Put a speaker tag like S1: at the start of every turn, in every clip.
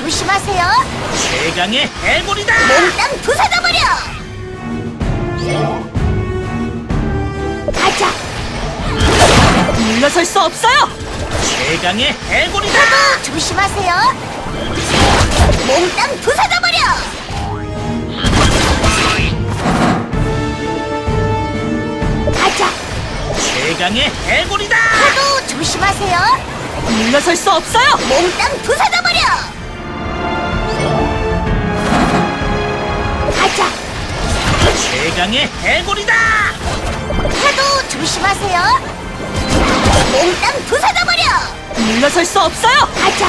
S1: 조심하세요.
S2: 최강의 해골이다.
S1: 몽땅 부숴져버려. 가자.
S3: 물러설 수 없어요.
S2: 최강의 해골이다.
S1: 조심하세요. 몽땅 부숴져버려. 가자.
S2: 최강의 해골이다.
S1: 파도 조심하세요.
S3: 물러설 수 없어요.
S1: 몽땅 부숴져버려. 가자.
S2: 최강의 해골이다.
S1: 파도 조심하세요. 몽땅 부숴져버려.
S3: 물러설 수 없어요.
S1: 가자.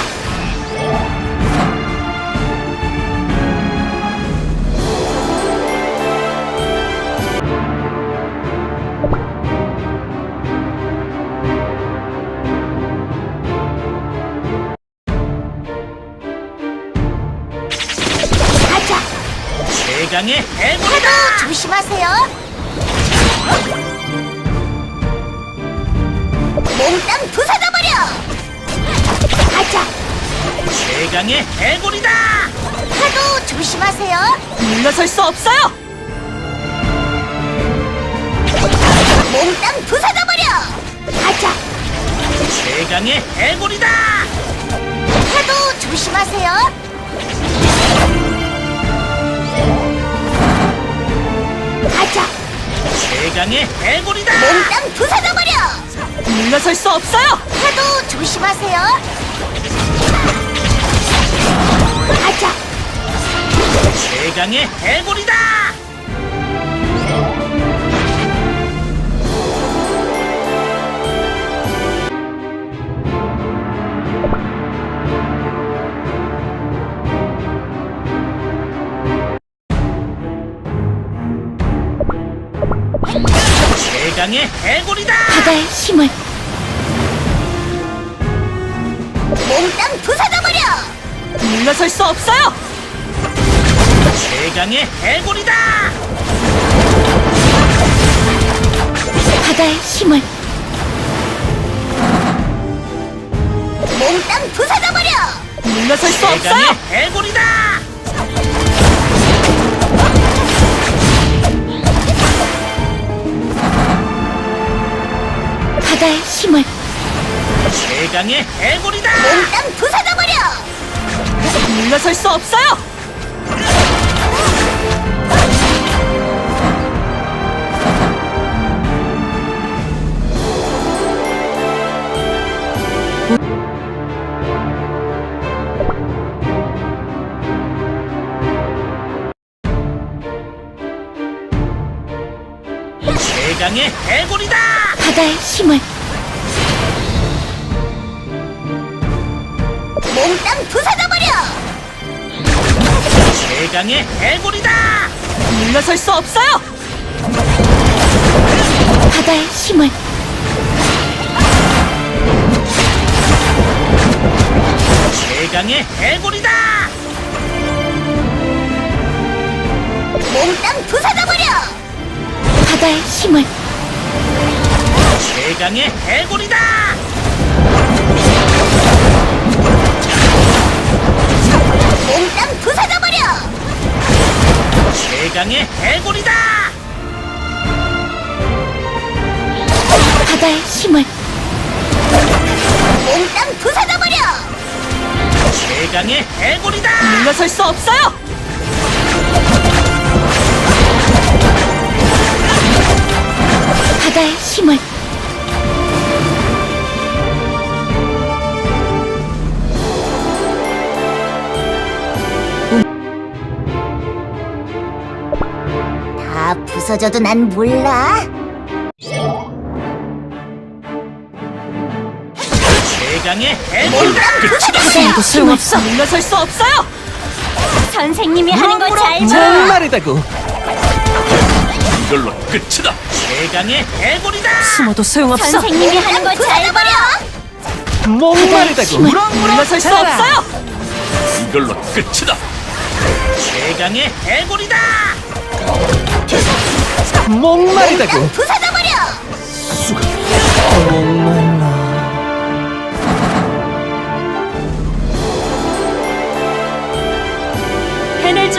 S1: 가자.
S2: 최강의 해골이다.
S1: 파도 조심하세요. 몽땅 부숴져버려. 가자.
S2: 최강의 해골이다.
S1: 파도 조심하세요.
S3: 물러설 수 없어요.
S1: 몽땅 부숴져버려. 가자.
S2: 최강의 해골이다.
S1: 파도 조심하세요. 가자.
S2: 최강의 해골이다.
S1: 몽땅 부숴져버려.
S3: 물러설 수 없어요.
S1: 파도 조심하세요. 가자.
S2: 최강의 해골이다. 최강의 해골이다.
S1: 바다의 힘을 몽땅 부숴져버려.
S3: 물러설 수 없어요.
S2: 최강의 해골이다.
S1: 바다의 힘을 몽땅 부숴져버려.
S3: 물러설 수
S2: 최강의
S3: 없어요.
S2: 해골이다.
S1: 바다의 힘을
S2: 최강의 해골이다.
S1: 몽땅 부숴져버려.
S3: 물러설 수 없어요.
S2: 최강의 해골이다.
S1: 바다의 힘을 몽땅 부숴져버려.
S2: 최강의 해골이다.
S3: 물러설 수 없어요.
S1: 바다의 힘을
S2: 최강의 해골이다.
S1: 몽땅 부숴져버려. 바다의 힘을
S2: 최강의 해골이다.
S1: 몽땅 부숴져버려.
S2: 최강의 해골이다.
S1: 바다의 힘을 몽땅 부숴져버려.
S2: 최강의 해골이다.
S3: 물러설 수 없어요.
S1: 바다의 힘을 다 부서져도 난 몰라.
S2: 최강의 해골이다.
S1: 바다에도 소용없어.
S3: 물러설 수 없어요.
S1: 선생님이 하는 거 잘 봐.
S4: 정말이다고.
S2: 이걸로 끝이다. 최강의 해골이다.
S3: 숨어도 소용없어.
S1: 선생님이 하는 거 잘 봐.
S4: 목마르다고.
S3: 물러설 수 없어요.
S2: 이걸로 끝이다. 최강의 해골이다.
S4: 목마르다고.
S1: 부숴져버려.
S4: 목말라.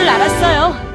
S3: 알았어요.